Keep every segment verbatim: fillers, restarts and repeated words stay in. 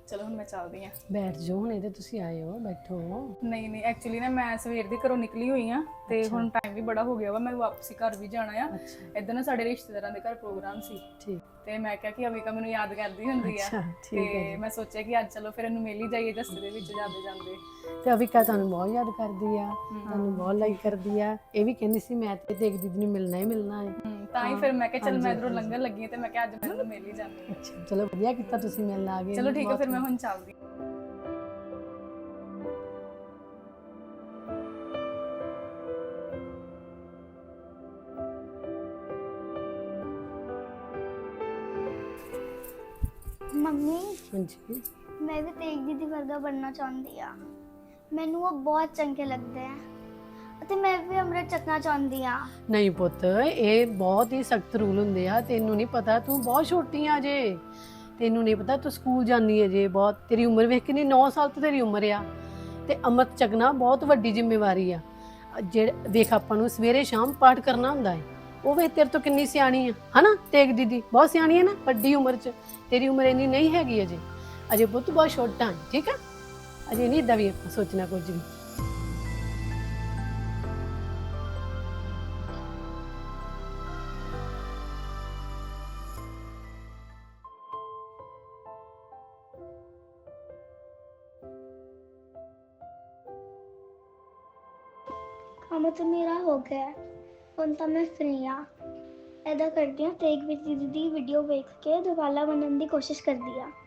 ਚਲੋ ਹੁਣ ਮੈਂ ਚੱਲਦੀ ਆ। ਬੈਠ ਜਾਓ ਹੁਣ, ਇਹਦੇ ਤੁਸੀਂ ਆਏ ਹੋ, ਬੈਠੋ। ਨਹੀਂ ਨਹੀਂ ਐਕਚੁਅਲੀ ਨਾ ਮੈਂ ਸਵੇਰ ਦੀ ਘਰੋਂ ਨਿਕਲੀ ਹੋਈ ਆ ਤੇ ਹੁਣ ਟਾਈਮ ਵੀ ਬੜਾ ਹੋ ਗਿਆ ਵਾ, ਮੈਂ ਵਾਪਸੀ ਘਰ ਵੀ ਜਾਣਾ ਆ। ਇੱਧਰ ਨਾ ਸਾਡੇ ਰਿਸ਼ਤੇਦਾਰਾਂ ਦੇ ਘਰ ਪ੍ਰੋਗਰਾਮ ਸੀ ਠੀਕ ਤੇ ਮੈਂ ਕਿਹਾ ਕਿ ਅਵਿਕਾ ਮੈਨੂੰ ਯਾਦ ਕਰਦੀ ਹੁੰਦੀ ਆ ਅੱਛਾ, ਠੀਕ ਹੈ ਤੇ ਮੈਂ ਸੋਚਿਆ ਕਿ ਅੱਜ ਚਲੋ ਫਿਰ ਇਹਨੂੰ ਮਿਲ ਹੀ ਜਾਈਏ ਰਸਤੇ ਦੇ ਵਿੱਚ ਜਾਂਦੇ ਜਾਂਦੇ। ਤੇ ਅਵਿਕਾ ਤੁਹਾਨੂੰ ਬਹੁਤ ਯਾਦ ਕਰਦੀ ਆ, ਤੁਹਾਨੂੰ ਬਹੁਤ ਲਾਈਕ ਕਰਦੀ ਆ। ਇਹ ਵੀ ਕਹਿੰਦੀ ਸੀ ਮੈਂ ਤੇ ਦੇਖ ਦੀਦੀ ਨੂੰ ਮਿਲਣਾ ਹੀ ਮਿਲਣਾ ਹੈ। ਹਮ, ਤਾਂ ਹੀ ਫਿਰ ਮੈਂ ਕਿਹਾ ਚਲ ਮੈਂ ਇਧਰੋਂ ਲੰਘਣ ਲੱਗੀ ਹਾਂ ਤੇ ਮੈਂ ਕਿਹਾ ਅੱਜ ਮੈਂ ਇਹਨੂੰ ਮਿਲ ਹੀ ਜਾਂਦੀ ਹਾਂ। ਅੱਛਾ ਚਲੋ ਵਧੀਆ ਕੀਤਾ ਤੁਸੀਂ ਮਿਲਣ ਆ ਗਏ। ਚਲੋ ਠੀਕ ਹੈ ਫਿਰ ਮੈਂ ਹੁਣ ਚੱਲਦੀ। ਮੰਮੀ ਹਾਂਜੀ ਮੈਂ ਵੀ ਤੇਗ ਦੀਦੀ ਵਰਗਾ ਬਣਨਾ ਚਾਹੁੰਦੀ ਆ। ਮੈਨੂੰ ਉਹ ਬਹੁਤ ਚੰਗੇ ਲੱਗਦੇ ਆ ਅਤੇ ਮੈਂ ਵੀ ਅੰਮ੍ਰਿਤ ਛਕਣਾ ਚਾਹੁੰਦੀ ਆ। ਨਹੀਂ ਪੁੱਤ, ਇਹ ਬਹੁਤ ਹੀ ਸਖਤ ਰੂਲ ਹੁੰਦੇ ਆ। ਤੈਨੂੰ ਨਹੀਂ ਪਤਾ, ਤੂੰ ਬਹੁਤ ਛੋਟੀ ਆ ਜੇ, ਤੈਨੂੰ ਨਹੀਂ ਪਤਾ ਤੂੰ ਸਕੂਲ ਜਾਂਦੀ ਹੈ ਜੇ। ਬਹੁਤ ਤੇਰੀ ਉਮਰ ਵੇਖ ਕੇ ਨਹੀਂ, ਨੌ ਸਾਲ ਤੋਂ ਤੇਰੀ ਉਮਰ ਆ ਤੇ ਅੰਮ੍ਰਿਤ ਛਕਣਾ ਬਹੁਤ ਵੱਡੀ ਜ਼ਿੰਮੇਵਾਰੀ ਆ। ਜਿਹੜੇ ਵੇਖ ਆਪਾਂ ਨੂੰ ਸਵੇਰੇ ਸ਼ਾਮ ਪਾਠ ਕਰਨਾ ਹੁੰਦਾ ਹੈ, ਉਹ ਵੇਖ ਤੇਰੇ ਤੋਂ ਕਿੰਨੀ ਸਿਆਣੀ ਆ ਹਨਾ। ਤੇਗ ਦੀਦੀ ਬਹੁਤ ਸਿਆਣੀ ਹੈ ਨਾ, ਵੱਡੀ ਉਮਰ 'ਚ। ਤੇਰੀ ਉਮਰ ਇੰਨੀ ਨਹੀਂ ਹੈਗੀ ਅਜੇ, ਅਜੇ ਪੁੱਤ ਬਹੁਤ ਛੋਟਾ ਹੈ, ਠੀਕ ਆ। ਅਜੇ ਨਹੀਂ ਏਦਾਂ ਵੀ ਸੋਚਣਾ ਕੁਝ ਵੀ। ਕੰਮ ਤਾਂ ਮੇਰਾ ਹੋ ਗਿਆ ਹੈ, ਹੁਣ ਤਾਂ ਮੈਂ ਫ੍ਰੀ ਆ। ਇੱਦਾਂ ਕਰਦੀ ਹਾਂ, ਤੇਗ ਵਿੱਚ ਦੀਦੀ ਦੀ ਵੀਡੀਓ ਵੇਖ ਕੇ ਦੁਬਾਰਾ ਬਣਨ ਦੀ ਕੋਸ਼ਿਸ਼ ਕਰਦੀ ਆ।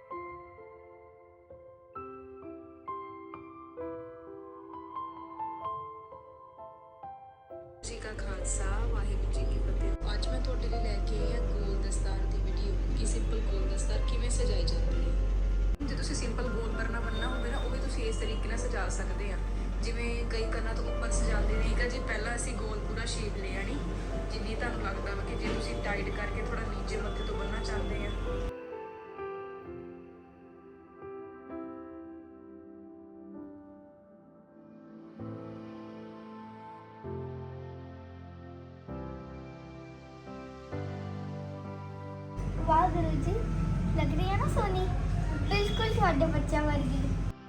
ਜੀ ਕਾ ਖਾਲਸਾ ਵਾਹਿਗੁਰੂ ਜੀ ਕੀ ਫਤਿਹ। ਅੱਜ ਮੈਂ ਤੁਹਾਡੇ ਲਈ ਲੈ ਕੇ ਆਈ ਹਾਂ ਗੋਲ ਦਸਤਾਰ ਦੀ ਵੀਡੀਓ ਕਿ ਸਿੰਪਲ ਗੋਲ ਦਸਤਾਰ ਕਿਵੇਂ ਸਜਾਈ ਜਾਂਦੀ ਹੈ। ਜੇ ਤੁਸੀਂ ਸਿੰਪਲ ਗੋਲ ਕਰਨਾ ਬੰਨਣਾ ਹੋਵੇ ਨਾ, ਉਹ ਵੀ ਤੁਸੀਂ ਇਸ ਤਰੀਕੇ ਨਾਲ ਸਜਾ ਸਕਦੇ ਆ। ਜਿਵੇਂ ਕਈ ਕੰਨਾਂ ਤੋਂ ਉੱਪਰ ਸਜਾਉਂਦੇ ਨੇ, ਠੀਕ ਆ ਜੀ। ਪਹਿਲਾਂ ਅਸੀਂ ਗੋਲ ਪੂਰਾ ਸ਼ੇਪ ਲੈ ਆਣੀ, ਜਿੰਨੀ ਤੁਹਾਨੂੰ ਲੱਗਦਾ ਵਾ ਕਿ ਜੇ ਤੁਸੀਂ ਟਾਈਟ ਕਰਕੇ ਥੋੜਾ ਨੀਚੇ ਮੱਥੇ ਤੋਂ ਬੰਨਣਾ ਚਾਹੁੰਦੇ ਆ। ਵਾਹ ਗੁਰੂ ਜੀ, ਲੱਗ ਰਹੀ ਹੈ ਨਾ ਸੋਨੀ, ਬਿਲਕੁਲ ਤੁਹਾਡੇ ਬੱਚਿਆਂ ਵਰਗੀ।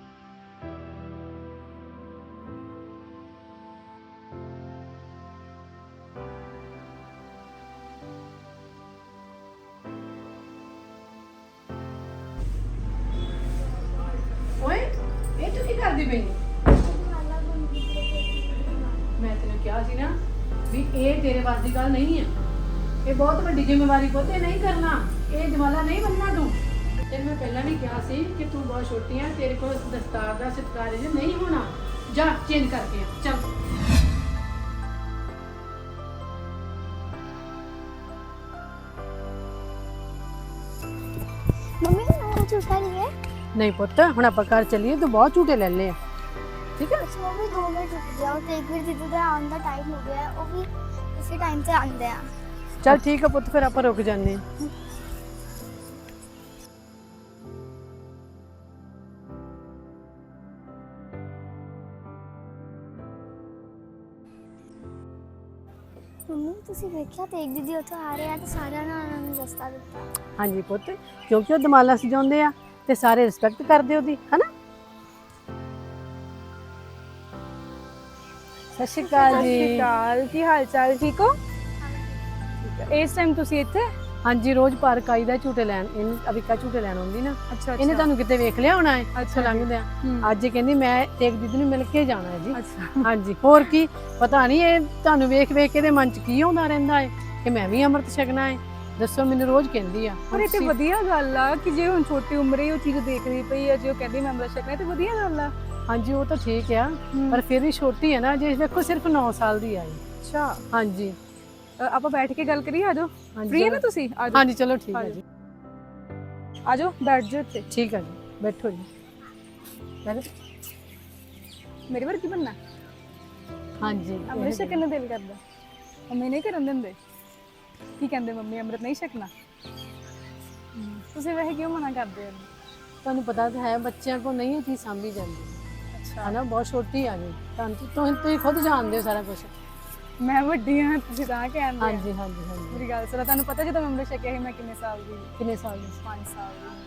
ਓਏ ਇਹ ਤੂੰ ਕੀ ਕਰਦੀ ਪਈ? ਦੁਬਾਰਾ ਬਣਦੀ ਹੈ। ਮੈਂ ਤੈਨੂੰ ਕਿਹਾ ਸੀ ਨਾ ਵੀ ਇਹ ਤੇਰੇ ਵੱਸ ਦੀ ਗੱਲ ਨਹੀਂ ਆ। ਇਹ ਬਹੁਤ ਵੱਡੀ ਜ਼ਿੰਮੇਵਾਰੀ ਪੁੱਤ, ਇਹ ਨਹੀਂ ਕਰਨਾ। ਇਹ ਜਮਾਲਾ ਨਹੀਂ ਬੰਨਣਾ ਤੂੰ। ਤੈਨੂੰ ਮੈਂ ਪਹਿਲਾਂ ਵੀ ਕਿਹਾ ਸੀ ਕਿ ਤੂੰ ਬਹੁਤ ਛੋਟੀ ਆ, ਤੇਰੇ ਕੋਲ ਦਸਤਾਰ ਦਾ ਸਤਿਕਾਰ ਜੇ ਨਹੀਂ ਹੋਣਾ। ਜਾ ਚੇਂਜ ਕਰਕੇ ਆ, ਚੱਲ। ਮੰਮੀ ਉਹ ਝੂਠਾ ਨਹੀਂ ਹੈ। ਨਹੀਂ ਪੁੱਤ, ਹੁਣ ਆਪਾਂ ਘਰ ਚੱਲੀਏ, ਤੂੰ ਬਹੁਤ ਝੂਟੇ ਲੈ ਲਏ ਆ, ਠੀਕ ਹੈ। ਅੱਛਾ ਮੰਮੀ ਦੋ ਮਿੰਟ ਰੁਕ ਜਾਓ, ਤੇ ਇੱਕ ਵਾਰ ਦੀਦੀ ਦਾ ਆਉਣ ਦਾ ਟਾਈਮ ਹੋ ਗਿਆ ਹੈ, ਉਹ ਵੀ ਇਸੇ ਟਾਈਮ ਤੇ ਆਉਂਦੇ ਆ। ਚੱਲ ਠੀਕ ਆ ਪੁੱਤ, ਫਿਰ ਆਪਾਂ ਰੁਕ ਜਾਂਦੇ ਹਾਂ। ਮੰਮੀ ਤੁਸੀਂ ਵੇਖਿਆ ਤੇਗ ਦੀਦੀ ਉੱਥੋਂ ਆ ਰਹੇ ਆ ਤੇ ਸਾਰਿਆਂ ਨੇ ਉਹਨਾਂ ਨੂੰ ਰਸਤਾ ਦਿੱਤਾ। ਹਾਂਜੀ ਪੁੱਤ, ਕਿਉਂਕਿ ਉਹ ਦਮਾਲਾ ਸਜਾਉਂਦੇ ਆ ਤੇ ਸਾਰੇ ਰਿਸਪੈਕਟ ਕਰਦੇ ਉਹਦੀ, ਹਨਾ। ਸਤਿ ਸ਼੍ਰੀ ਅਕਾਲ ਜੀ। ਕਾਲ ਕੀ ਹਾਲ ਚਾਲ, ਠੀਕ ਹੋ? ਇਸ ਟਾਈਮ ਤੁਸੀਂ ਇੱਥੇ? ਹਾਂਜੀ, ਰੋਜ਼ ਪਾਰਕ ਆਈਦਾ ਝੂਟੇ ਲੈਣ। ਇਹਨੂੰ ਅਵਿਕਾ ਝੂਟੇ ਲੈਣ ਆਉਂਦੀ ਨਾ। ਅੱਛਾ ਇਹਨੇ ਤੁਹਾਨੂੰ ਕਿਤੇ ਵੇਖ ਲਿਆ ਹੋਣਾ ਹੈ। ਅੱਛਾ ਲੰਘਦਿਆਂ ਹਮ। ਅੱਜ ਇਹ ਕਹਿੰਦੀ ਮੈਂ ਤੇਗ ਦੀਦੀ ਨੂੰ ਮਿਲ ਕੇ ਜਾਣਾ ਹੈ ਜੀ। ਅੱਛਾ ਹਾਂਜੀ, ਹੋਰ ਕੀ ਪਤਾ ਨਹੀਂ ਇਹ ਤੁਹਾਨੂੰ ਵੇਖ ਵੇਖ ਕੇ ਇਹਦੇ ਮਨ 'ਚ ਕੀ ਆਉਂਦਾ ਰਹਿੰਦਾ ਹੈ ਕਿ ਮੈਂ ਵੀ ਅੰਮ੍ਰਿਤ ਛਕਣਾ ਹੈ। ਦੱਸੋ, ਮੈਨੂੰ ਰੋਜ਼ ਕਹਿੰਦੀ ਆ। ਪਰ ਇਹ ਤੇ ਵਧੀਆ ਗੱਲ ਆ ਕਿ ਜੇ ਹੁਣ ਛੋਟੀ ਉਮਰੇ ਹੀ ਉਹ ਚੀਜ਼ ਦੇਖਦੀ ਪਈ ਆ, ਜੇ ਉਹ ਕਹਿੰਦੀ ਮੈਂ ਅੰਮ੍ਰਿਤ ਛਕਣਾ, ਤੇ ਵਧੀਆ ਗੱਲ ਆ। ਹਾਂਜੀ ਉਹ ਤਾਂ ਠੀਕ ਆ, ਪਰ ਫਿਰ ਵੀ ਛੋਟੀ ਹੈ ਨਾ ਜੇ। ਵੇਖੋ ਸਿਰਫ ਨੌ ਸਾਲ ਦੀ ਆਈ। ਅੱਛਾ, ਹਾਂਜੀ ਆਪਾਂ ਬੈਠ ਕੇ ਗੱਲ ਕਰੀਏ। ਆਜੋ, ਹਾਂਜੀ ਫ੍ਰੀ ਹੈ ਨਾ ਚਲੋ। ਤੁਸੀਂ? ਆਜੋ ਹਾਂਜੀ ਚਲੋ ਠੀਕ ਹੈ ਜੀ। ਆਜੋ ਬੈਠ ਜਾਓ ਇੱਥੇ। ਠੀਕ ਹੈ ਜੀ, ਬੈਠੋ ਜੀ। ਬੈਠੋ। ਮੇਰੇ ਵਰਗੀ ਬਣਨਾ? ਹਾਂਜੀ ਅੰਮ੍ਰਿਤ ਛਕਣ ਨੂੰ ਦਿਲ ਕਰਦਾ, ਮੰਮੀ ਨਹੀਂ ਕਰਨ ਦਿੰਦੇ। ਕੀ ਕਹਿੰਦੇ ਮੰਮੀ, ਅੰਮ੍ਰਿਤ ਨਹੀਂ ਛਕਣਾ? ਤੁਸੀਂ ਵੈਸੇ ਕਿਉਂ ਮਨਾ ਕਰਦੇ ਹੋ? ਤੁਹਾਨੂੰ ਪਤਾ ਤਾਂ ਹੈ ਬੱਚਿਆਂ ਕੋਲ ਨਹੀਂ ਇਹ ਚੀਜ਼ ਸਾਂਭੀ ਜਾਂਦੀ। ਅੱਛਾ, ਹੈ ਨਾ, ਬਹੁਤ ਛੋਟੀ ਆ ਜੀ। ਤੁਹਾਨੂੰ ਤੁਸੀਂ ਤੁਸੀਂ ਖੁਦ ਜਾਣਦੇ ਹੋ ਸਾਰਾ ਕੁਝ। ਮੈਂ ਵੱਡੀ ਹਾਂ, ਤੁਸੀਂ ਤਾਂ ਕਹਿੰਦੇ? ਹਾਂਜੀ ਹਾਂਜੀ ਹਾਂਜੀ। ਮੇਰੀ ਗੱਲ ਸੁਣੋ, ਤੁਹਾਨੂੰ ਪਤਾ ਜਦੋਂ ਮੈਂ ਅੰਮ੍ਰਿਤ ਛਕਿਆ ਸੀ ਮੈਂ ਕਿੰਨੇ ਸਾਲ ਦੀ? ਕਿੰਨੇ ਸਾਲ ਦੀ? ਪੰਜ ਸਾਲ ਦੀ।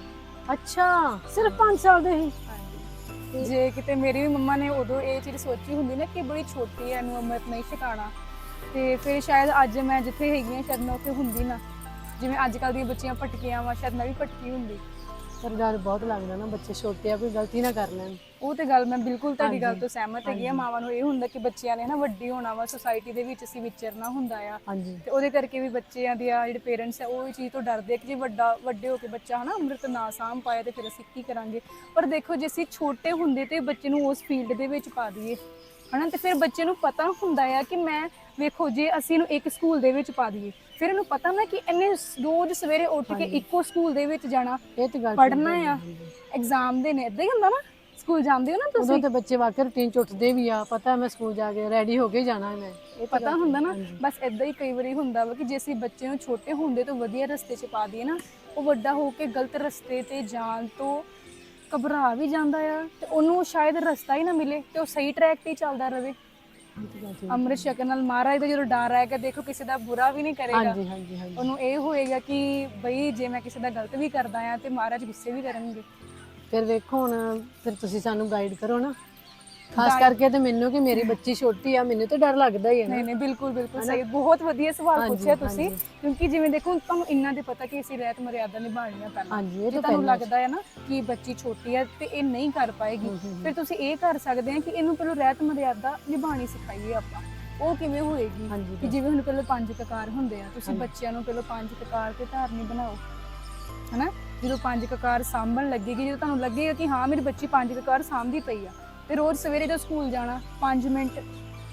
ਅੱਛਾ ਸਿਰਫ ਪੰਜ ਸਾਲ ਦੇ ਹੀ? ਹਾਂਜੀ। ਜੇ ਕਿਤੇ ਮੇਰੀ ਵੀ ਮੰਮਾ ਨੇ ਉਦੋਂ ਇਹ ਚੀਜ਼ ਸੋਚੀ ਹੁੰਦੀ ਨਾ ਕਿ ਬੜੀ ਛੋਟੀ ਹੈ, ਇਹਨੂੰ ਅੰਮ੍ਰਿਤ ਨਹੀਂ ਛਕਾਉਣਾ, ਤੇ ਫਿਰ ਸ਼ਾਇਦ ਅੱਜ ਮੈਂ ਜਿੱਥੇ ਹੈਗੀ ਹਾਂ ਸ਼ਾਇਦ ਮੈਂ ਉੱਥੇ ਹੁੰਦੀ ਨਾ। ਜਿਵੇਂ ਅੱਜ ਕੱਲ੍ਹ ਦੀਆਂ ਬੱਚੀਆਂ ਭਟਕੀਆਂ ਵਾ, ਸ਼ਾਇਦ ਮੈਂ ਵੀ ਭਟਕੀ ਹੁੰਦੀ। ਪਰ ਡਰ ਬਹੁਤ ਲੱਗਦਾ ਨਾ, ਬੱਚੇ ਛੋਟੇ ਆ, ਕੋਈ ਗਲਤੀ ਨਾ ਕਰ ਲੈਣ। ਉਹ ਤੇ ਗੱਲ ਮੈਂ ਬਿਲਕੁਲ ਤੁਹਾਡੀ ਗੱਲ ਹਾਂਜੀ, ਤੋਂ ਸਹਿਮਤ ਹੈਗੀ ਆ। ਹਾਂਜੀ। ਮਾਵਾਂ ਨੂੰ ਇਹ ਹੁੰਦਾ ਕਿ ਬੱਚਿਆਂ ਨੇ ਨਾ ਵੱਡੀ ਹੋਣਾ ਵਾ, ਸੁਸਾਇਟੀ ਦੇ ਵਿੱਚ ਅਸੀਂ ਵਿਚਰਨਾ ਹੁੰਦਾ ਆ, ਹਾਂਜੀ ਤੇ ਉਹਦੇ ਕਰਕੇ ਵੀ ਬੱਚਿਆਂ ਦੇ ਆ ਜਿਹੜੇ ਪੇਰੈਂਟਸ ਆ ਉਹ ਇਹ ਚੀਜ਼ ਤੋਂ ਡਰਦੇ ਆ ਕਿ ਜੇ ਵੱਡਾ ਵੱਡੇ ਹੋ ਕੇ ਬੱਚਾ ਹਨਾ ਅੰਮ੍ਰਿਤ ਨਾ ਸਾਂਭ ਪਾਇਆ ਤੇ ਫਿਰ ਅਸੀਂ ਕੀ ਕਰਾਂਗੇ। ਪਰ ਦੇਖੋ ਜੇ ਅਸੀਂ ਛੋਟੇ ਹੁੰਦੇ ਤੇ ਬੱਚੇ ਨੂੰ ਉਸ ਫੀਲਡ ਦੇ ਵਿੱਚ ਪਾ ਦਈਏ ਹਨਾ, ਤੇ ਫਿਰ ਬੱਚੇ ਨੂੰ ਪਤਾ ਹੁੰਦਾ ਆ ਕਿ ਮੈਂ ਵੇਖੋ ਜੇ ਅਸੀਂ ਇਹਨੂੰ ਇੱਕ ਸਕੂਲ ਦੇ ਵਿੱਚ ਪਾ ਦਈਏ, ਫਿਰ ਇਹਨੂੰ ਪਤਾ ਨਾ ਕਿ ਇਹਨੇ ਰੋਜ਼ ਸਵੇਰੇ ਉੱਠ ਕੇ ਇੱਕੋ ਸਕੂਲ ਦੇ ਵਿੱਚ ਜਾਣਾ, ਇਹ ਤੇ ਗੱਲ ਪੜ੍ਹਨਾ ਆ, ਐਗਜ਼ਾਮ ਦੇਣੇ, ਏਦਾਂ ਹੀ ਹੁੰਦਾ ਨਾ। ਸਕੂਲ ਜਾਂਦੇ ਹੋ ਨਾ ਉਦੋਂ ਤੁਸੀਂ, ਤੇ ਬੱਚੇ ਵਾਕਈ ਰੂਟੀਨ ਚ ਉੱਠਦੇ ਵੀ ਆ, ਪਤਾ ਮੈਂ ਸਕੂਲ ਜਾ ਕੇ ਰੈਡੀ ਹੋ ਕੇ ਜਾਣਾ ਮੈਂ, ਇਹ ਤਾਂ ਪਤਾ ਗੱਲ ਹੁੰਦਾ ਨਾ। ਹਾਂਜੀ। ਬਸ ਏਦਾਂ ਹੀ ਕਈ ਵਾਰੀ ਹੁੰਦਾ ਵਾ ਕਿ ਜੇ ਅਸੀਂ ਬੱਚੇ ਨੂੰ ਛੋਟੇ ਹੁੰਦੇ ਤੋਂ ਵਧੀਆ ਰਸਤੇ 'ਚ ਪਾ ਦਈਏ ਨਾ, ਉਹ ਵੱਡਾ ਹੋ ਕੇ ਗਲਤ ਰਸਤੇ ਤੇ ਜਾਣ ਤੋਂ ਘਬਰਾ ਵੀ ਜਾਂਦਾ ਆ, ਤੇ ਉਹਨੂੰ ਸ਼ਾਇਦ ਰਸਤਾ ਹੀ ਨਾ ਮਿਲੇ ਤੇ ਉਹ ਸਹੀ ਟਰੈਕ ਤੇ ਹੀ ਚੱਲਦਾ ਰਹੇ। ਇਹ ਤਾਂ ਗੱਲ ਠੀਕ। ਅੰਮ੍ਰਿਤ ਛਕਣ ਨਾਲ ਮਹਾਰਾਜ ਦਾ ਜਦੋਂ ਡਰ ਆਏਗਾ, ਦੇਖੋ ਕਿਸੇ ਦਾ ਬੁਰਾ ਵੀ ਨਹੀਂ ਕਰੇਗਾ। ਹਾਂਜੀ ਹਾਂਜੀ ਹਾਂਜੀ। ਉਹਨੂੰ ਇਹ ਹੋਏਗਾ ਕਿ ਬਈ ਜੇ ਮੈਂ ਕਿਸੇ ਦਾ ਗਲਤ ਵੀ ਕਰਦਾ ਆ ਤੇ ਮਹਾਰਾਜ ਗੁੱਸੇ ਵੀ ਕਰਨਗੇ। ਫਿਰ ਵੇਖੋ ਹੁਣ, ਫਿਰ ਤੁਸੀਂ ਸਾਨੂੰ ਗਾਈਡ ਕਰੋ ਨਾ, ਖਾਸ ਕਰਕੇ ਤੇ ਮੈਨੂੰ ਕਿ ਮੇਰੀ ਬੱਚੀ ਛੋਟੀ ਆ, ਮੈਨੂੰ ਤਾਂ ਡਰ ਲੱਗਦਾ ਹੀ ਹੈ ਨਾ। ਨਹੀਂ ਨਹੀਂ ਬਿਲਕੁਲ ਬਿਲਕੁਲ ਸਹੀ, ਬਹੁਤ ਵਧੀਆ ਸਵਾਲ ਹਾਂਜੀ, ਪੁੱਛਿਆ ਤੁਸੀਂ। ਹਾਂਜੀ। ਕਿਉਂਕਿ ਜਿਵੇਂ ਦੇਖੋ ਤੁਹਾਨੂੰ ਇੰਨਾ ਤੇ ਪਤਾ ਕਿ ਅਸੀਂ ਰਹਿਤ ਮਰਿਆਦਾ ਨਿਭਾਉਣੀ ਆ ਪਹਿਲਾਂ। ਹਾਂਜੀ, ਇਹ ਜੇ ਤਾਂ ਤੁਹਾਨੂੰ ਪਹਿਲਾਂ ਲੱਗਦਾ ਹੈ ਨਾ ਕਿ ਬੱਚੀ ਛੋਟੀ ਹੈ ਤੇ ਇਹ ਨਹੀਂ ਕਰ ਪਾਏਗੀ, ਹੂੰ, ਹੂੰ, ਫਿਰ ਤੁਸੀਂ ਇਹ ਕਰ ਸਕਦੇ ਆ ਕਿ ਇਹਨੂੰ ਪਹਿਲਾਂ ਰਹਿਤ ਮਰਿਆਦਾ ਨਿਭਾਉਣੀ ਸਿਖਾਈਏ ਆਪਾਂ। ਉਹ ਕਿਵੇਂ ਹੋਏਗੀ ਹਾਂਜੀ, ਕਿ ਜਿਵੇਂ ਹੁਣ ਪਹਿਲਾਂ ਪੰਜ ਕਕਾਰ ਹੁੰਦੇ ਆ, ਤੁਸੀਂ ਹਾਂਜੀ। ਬੱਚਿਆਂ ਨੂੰ ਪਹਿਲਾਂ ਪੰਜ ਕਕਾਰ ਤੇ ਧਾਰਨੀ ਬਣਾਓ ਹਨਾ। ਜਦੋਂ ਪੰਜ ਕਕਾਰ ਸਾਂਭਣ ਲੱਗੇਗੀ, ਜਦੋਂ ਤੁਹਾਨੂੰ ਲੱਗੇਗਾ ਕਿ ਹਾਂ ਮੇਰੀ ਬੱਚੀ ਪੰਜ ਕਕਾਰ ਸਾਂਭਦੀ ਪਈ ਆ, ਤੇ ਰੋਜ਼ ਸਵੇਰੇ ਜਦੋਂ ਸਕੂਲ ਜਾਣਾ ਪੰਜ ਮਿੰਟ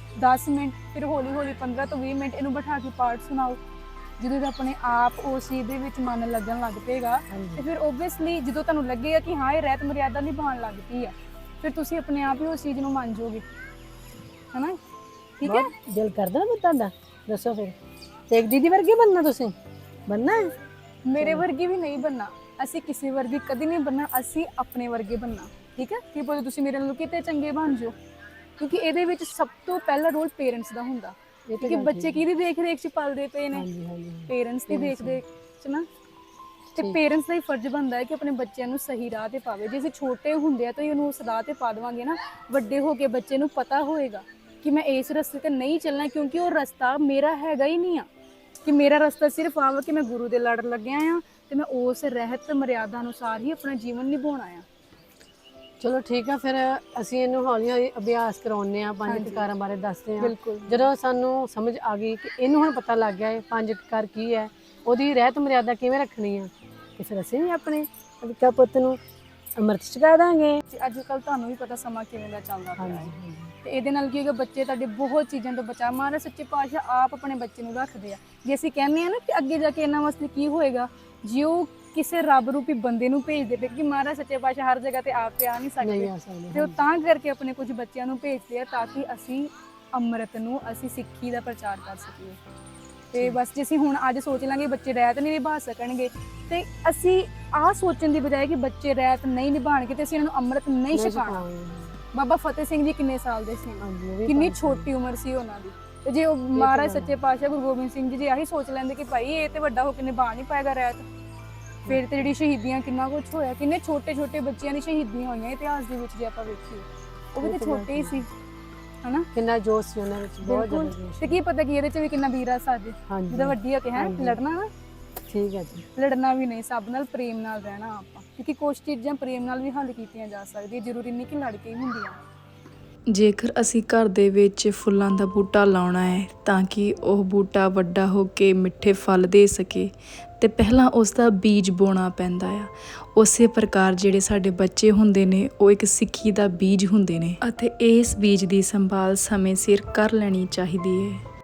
ਦਸ ਮਿੰਟ, ਫਿਰ ਹੌਲੀ ਹੌਲੀ ਪੰਦਰਾਂ ਤੋਂ ਵੀਹ ਮਿੰਟ ਇਹਨੂੰ ਬਿਠਾ ਕੇ ਪਾਠ ਸੁਣਾਓ। ਜਦੋਂ ਇਹ ਆਪਣੇ ਆਪ ਉਸ ਚੀਜ਼ ਦੇ ਵਿੱਚ ਮਨ ਲੱਗਣ ਲੱਗ ਪਏਗਾ, ਤੇ ਫਿਰ ਓਬਵੀਅਸਲੀ ਜਦੋਂ ਤੁਹਾਨੂੰ ਲੱਗੇਗਾ ਕਿ ਹਾਂ ਇਹ ਰਹਿਤ ਮਰਿਆਦਾ ਨਿਭਾਉਣ ਲੱਗ ਪਈ ਆ, ਫਿਰ ਤੁਸੀਂ ਆਪਣੇ ਆਪ ਹੀ ਉਸ ਚੀਜ਼ ਨੂੰ ਮੰਨ ਜਾਓਗੇ ਹਨਾ। ਠੀਕ ਹੈ। ਬਹੁਤ ਦਿਲ ਕਰਦਾ ਨਾ ਤੁਹਾਡਾ, ਦੱਸੋ ਫਿਰ ਤੇ ਇੱਕ ਦੀਦੀ ਵਰਗੇ ਬਣਨਾ ਤੁਸੀਂ, ਬਣਨਾ ਹੈ? ਮੇਰੇ ਵਰਗੀ ਵੀ ਨਹੀਂ ਬਣਨਾ, ਅਸੀਂ ਕਿਸੇ ਵਰਗੀ ਕਦੀ ਨਹੀਂ ਬਣਨਾ, ਅਸੀਂ ਆਪਣੇ ਵਰਗੇ ਬਣਨਾ। ਠੀਕ ਹੈ। ਕੀ ਬੋਲੇ ਤੁਸੀਂ ਮੇਰੇ ਨਾਲ ਕਿਤੇ ਚੰਗੇ ਬਣ ਜਾਓ, ਕਿਉਂਕਿ ਇਹਦੇ ਵਿੱਚ ਸਭ ਤੋਂ ਪਹਿਲਾ ਰੋਲ ਪੇਰੈਂਟਸ ਦਾ ਹੁੰਦਾ। ਕਿਉਂਕਿ ਬੱਚੇ ਕਿਹਦੀ ਦੇਖ ਰੇਖ 'ਚ ਪਲਦੇ ਪਏ ਨੇ, ਪੇਰੈਂਟਸ ਦੀ ਦੇਖ ਰੇਖ 'ਚ ਨਾ। ਤੇ ਪੇਰੈਂਟਸ ਦਾ ਹੀ ਫਰਜ਼ ਬਣਦਾ ਹੈ ਕਿ ਆਪਣੇ ਬੱਚਿਆਂ ਨੂੰ ਸਹੀ ਰਾਹ ਤੇ ਪਾਵੇ। ਜੇ ਅਸੀਂ ਛੋਟੇ ਹੁੰਦੇ ਆ ਤਾਂ ਹੀ ਉਹਨੂੰ ਉਸ ਰਾਹ ਤੇ ਪਾ ਦੇਵਾਂਗੇ ਨਾ, ਵੱਡੇ ਹੋ ਕੇ ਬੱਚੇ ਨੂੰ ਪਤਾ ਹੋਏਗਾ ਕਿ ਮੈਂ ਇਸ ਰਸਤੇ ਤੇ ਨਹੀਂ ਚੱਲਣਾ, ਕਿਉਂਕਿ ਉਹ ਰਸਤਾ ਮੇਰਾ ਹੈਗਾ ਹੀ ਨਹੀਂ ਆ। ਕਿ ਮੇਰਾ ਰਸਤਾ ਸਿਰਫ ਆਵਾ ਕਿ ਮੈਂ ਗੁਰੂ ਦੇ ਲੜ ਲੱਗਿਆ ਆ, ਤੇ ਮੈਂ ਉਸ ਰਹਿਤ ਮਰਿਆਦਾ ਅਨੁਸਾਰ ਹੀ ਆਪਣਾ ਜੀਵਨ ਨਿਭਾਉਣਾ ਆ। ਚਲੋ ਠੀਕ ਆ, ਫਿਰ ਅਸੀਂ ਇਹਨੂੰ ਹੌਲੀ ਹੌਲੀ ਅਭਿਆਸ ਕਰਾਉਂਦੇ ਆ, ਪੰਜ ਕਕਾਰਾਂ ਬਾਰੇ ਦੱਸਦੇ ਆ। ਬਿਲਕੁਲ। ਜਦੋਂ ਸਾਨੂੰ ਸਮਝ ਆ ਗਈ ਕਿ ਇਹਨੂੰ ਹੁਣ ਪਤਾ ਲੱਗ ਗਿਆ ਹੈ ਪੰਜ ਕਕਾਰ ਕੀ ਹੈ, ਉਹਦੀ ਰਹਿਤ ਮਰਿਆਦਾ ਕਿਵੇਂ ਰੱਖਣੀ ਆ, ਤੇ ਫਿਰ ਅਸੀਂ ਵੀ ਆਪਣੇ ਅਵਿਕਾ ਪੁੱਤ ਨੂੰ ਅੰਮ੍ਰਿਤ ਛਕਾ ਦਾਂਗੇ। ਅੱਜ ਕੱਲ ਤੁਹਾਨੂੰ ਵੀ ਪਤਾ ਸਮਾਂ ਕਿਵੇਂ ਦਾ ਚੱਲਦਾ ਪਿਆ ਹੈ, ਹਾਂਜੀ ਤੇ ਇਹਦੇ ਨਾਲ ਕੀ ਹੋਏਗਾ, ਬੱਚੇ ਤੁਹਾਡੇ ਬਹੁਤ ਚੀਜ਼ਾਂ ਤੋਂ ਬਚਾ। ਮਹਾਰਾਜ ਸੱਚੇ ਪਾਤਸ਼ਾਹ ਆਪ ਆਪਣੇ ਬੱਚੇ ਨੂੰ ਰੱਖਦੇ ਆ। ਜੇ ਅਸੀਂ ਕਹਿੰਦੇ ਆ ਨਾ ਕਿ ਅੱਗੇ ਜਾ ਕੇ ਇਹਨਾਂ ਵਾਸਤੇ ਕੀ ਹੋਏਗਾ, ਜੇ ਉਹ ਕਿਸੇ ਰੱਬ ਰੂਪੀ ਬੰਦੇ ਨੂੰ ਭੇਜਦੇ ਪਏ, ਕਿ ਮਹਾਰਾਜ ਸੱਚੇ ਪਾਤਸ਼ਾਹ ਹਰ ਜਗ੍ਹਾ ਤੇ ਆਪ ਤੇ ਆ ਨਹੀਂ ਸਕਦੇ, ਨਹੀਂ ਆ ਸਕਦੇ, ਤੇ ਉਹ ਤਾਂ ਕਰਕੇ ਆਪਣੇ ਕੁਝ ਬੱਚਿਆਂ ਨੂੰ ਭੇਜਦੇ ਆ ਤਾਂ ਕਿ ਅਸੀਂ ਅੰਮ੍ਰਿਤ ਨੂੰ, ਅਸੀਂ ਸਿੱਖੀ ਦਾ ਪ੍ਰਚਾਰ ਕਰ ਸਕੀਏ। ਤੇ ਬਸ ਜੇ ਅਸੀਂ ਹੁਣ ਅੱਜ ਸੋਚ ਲਾਂਗੇ ਬੱਚੇ ਰਹਿਤ ਨਹੀਂ ਨਿਭਾ ਸਕਣਗੇ, ਤੇ ਅਸੀਂ ਆਹ ਸੋਚਣ ਦੀ ਬਜਾਏ ਕਿ ਬੱਚੇ ਰਹਿਤ ਨਹੀਂ ਨਿਭਾਉਣਗੇ ਤੇ ਅਸੀਂ ਇਹਨਾਂ ਨੂੰ ਅੰਮ੍ਰਿਤ ਨਹੀਂ ਛਕਾਉਣਾ। ਬਾਬਾ ਫਤਿਹ ਸਿੰਘ ਜੀ ਕਿੰਨੇ ਸਾਲ ਦੇ ਸੀ, ਕਿੰਨੀ ਛੋਟੀ ਉਮਰ ਸੀ ਉਹਨਾਂ ਦੀ, ਤੇ ਜੇ ਉਹ ਮਹਾਰਾਜ ਸੱਚੇ ਪਾਤਸ਼ਾਹ ਗੁਰੂ ਗੋਬਿੰਦ ਸਿੰਘ ਜੀ ਜੇ ਆਹੀ ਸੋਚ ਲੈਂਦੇ ਕਿ ਭਾਈ ਇਹ ਤੇ ਵੱਡਾ ਹੋ ਕੇ ਨਿਭਾ ਨਹੀਂ ਪਾਏਗਾ ਰਹਿਤ, ਫਿਰ ਤੇ ਜਿਹੜੀ ਸ਼ਹੀਦੀਆਂ ਕਿੰਨਾ ਕੁਛ ਹੋਇਆ, ਕਿੰਨੇ ਛੋਟੇ ਛੋਟੇ ਬੱਚਿਆਂ ਦੀ ਸ਼ਹੀਦੀਆਂ ਹੋਈਆਂ ਇਤਿਹਾਸ ਦੇ ਵਿੱਚ ਜੇ ਆਪਾਂ ਵੇਖੀਏ, ਉਹ ਵੀ ਤੇ ਛੋਟੇ ਹੀ ਸੀ ਹਨਾ। ਕਿੰਨਾ ਜੋਸ਼ ਸੀ ਉਹਨਾਂ ਵਿੱਚ, ਬਹੁਤ ਜ਼ਿਆਦਾ ਜੋਸ਼। ਤੇ ਕੀ ਪਤਾ ਕਿ ਇਹਦੇ ਚ ਵੀ ਕਿੰਨਾ ਵੀਰਾ ਸਾਜੇ ਜਿਹਦਾ ਵੱਡੀ ਹੋ ਕੇ ਹੈ ਲੜਨਾ ਨਾ। ਠੀਕ ਹੈ ਜੀ। ਲੜਨਾ ਵੀ ਨਹੀਂ, ਸਭ ਨਾਲ ਪ੍ਰੇਮ ਨਾਲ ਰਹਿਣਾ ਆਪਾਂ, ਕਿਉਂਕਿ ਕੁਝ ਚੀਜ਼ਾਂ ਪ੍ਰੇਮ ਨਾਲ ਵੀ ਹੱਲ ਕੀਤੀਆਂ ਜਾ ਸਕਦੀਆਂ, ਜ਼ਰੂਰੀ ਨਹੀਂ ਕਿ ਲੜ ਕੇ ਹੀ ਹੁੰਦੀਆਂ। ਜੇਕਰ ਅਸੀਂ ਘਰ ਦੇ ਵਿੱਚ ਫੁੱਲਾਂ ਦਾ ਬੂਟਾ ਲਾਉਣਾ ਹੈ ਤਾਂ ਕਿ ਉਹ ਬੂਟਾ ਵੱਡਾ ਹੋ ਕੇ ਮਿੱਠੇ ਫਲ ਦੇ ਸਕੇ, ਤੇ ਪਹਿਲਾਂ ਉਸ ਦਾ ਬੀਜ ਬੋਣਾ ਪੈਂਦਾ ਆ। ਉਸੇ ਪ੍ਰਕਾਰ ਜਿਹੜੇ ਸਾਡੇ ਬੱਚੇ ਹੁੰਦੇ ਨੇ ਉਹ ਇੱਕ ਸਿੱਖੀ ਦਾ ਬੀਜ ਹੁੰਦੇ ਨੇ, ਅਤੇ ਇਸ ਬੀਜ ਦੀ ਸੰਭਾਲ ਸਮੇਂ ਸਿਰ ਕਰ ਲੈਣੀ ਚਾਹੀਦੀ ਹੈ।